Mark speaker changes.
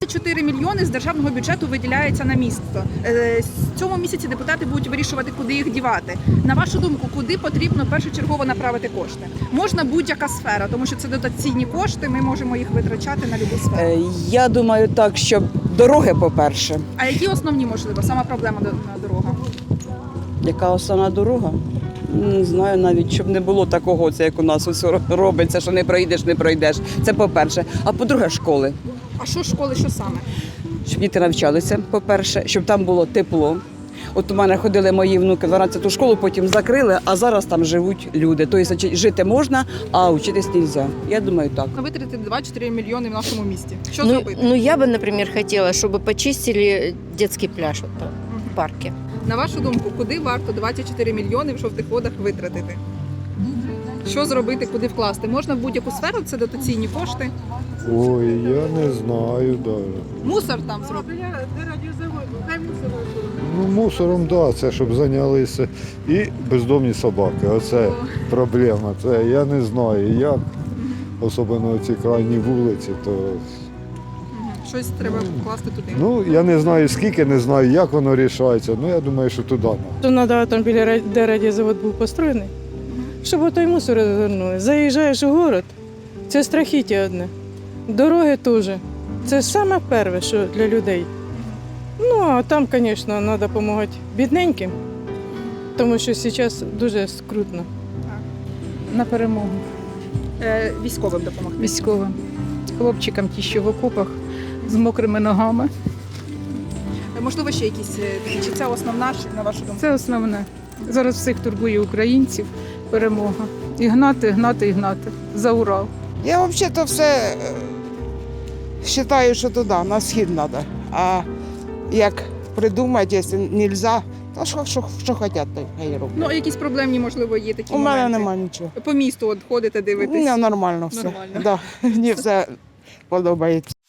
Speaker 1: 4 мільйони з державного бюджету виділяється на місто. В цьому місяці депутати будуть вирішувати, куди їх дівати. На вашу думку, куди потрібно першочергово направити кошти? Можна будь-яка сфера, тому що це дотаційні кошти, ми можемо їх витрачати на любу сферу.
Speaker 2: Я думаю так, що дороги, по-перше.
Speaker 1: А які основні, можливо, сама проблема на дорогах?
Speaker 2: Яка основна дорога? Не знаю навіть, щоб не було такого, це як у нас усе робиться, що не пройдеш. Це по-перше. А по-друге, школи.
Speaker 1: А що школи, що саме?
Speaker 2: Щоб діти навчалися, по-перше, щоб там було тепло. От у мене ходили мої внуки в 12-ту школу, потім закрили, а зараз там живуть люди. Тобто жити можна, а вчитись не можна. Я думаю, так.
Speaker 1: Витратити 2-4 мільйони в нашому місті. Що зробити?
Speaker 3: Ну, я бы, например, хотела, чтобы почистили детский пляж вот там, в парке.
Speaker 1: На вашу думку, куди варто 24 мільйони в жовтих водах витратити? Що зробити, куди вкласти? Можна в будь-яку сферу, це дотаційні кошти.
Speaker 4: Ой, я не знаю даже.
Speaker 1: Мусор там зробити.
Speaker 4: Ну, мусором, да, це щоб зайнялися. І бездомні собаки. Оце проблема. Це я не знаю як. Особливо ці крайні вулиці, то
Speaker 1: Щось треба вкласти туди.
Speaker 4: ну я не знаю скільки, не знаю, як воно рішається. Ну я думаю, що туди.
Speaker 5: То треба там біля де радіозавод був построєний, щоб отой мусор розвернули. Заїжджаєш у город, це страхіття одне. Дороги теж. Це саме перше, що для людей. Ну, а там, звісно, треба допомагати бідненьким, тому що зараз дуже скрутно.
Speaker 6: На перемогу
Speaker 1: Військовим допомогти.
Speaker 6: військовим, хлопчикам ті, що в окопах з мокрими ногами.
Speaker 1: Можливо, ще якісь такі, чи це основна, на вашу думку?
Speaker 6: Це основне. Зараз всіх турбує українців перемога. І гнати, гнати, і гнати. За Урал.
Speaker 7: Я взагалі-то все вважаю, що туди, на схід треба. А як придумати, якщо не можна, то що хочуть, то хай роблять.
Speaker 1: Ну, а якісь проблемні, можливо, є такі
Speaker 7: У мене
Speaker 1: моменти?
Speaker 7: немає нічого.
Speaker 1: По місту от ходите,
Speaker 7: У
Speaker 1: дивитесь?
Speaker 7: мене нормально все.
Speaker 1: Нормально.
Speaker 7: Да, мені все подобається.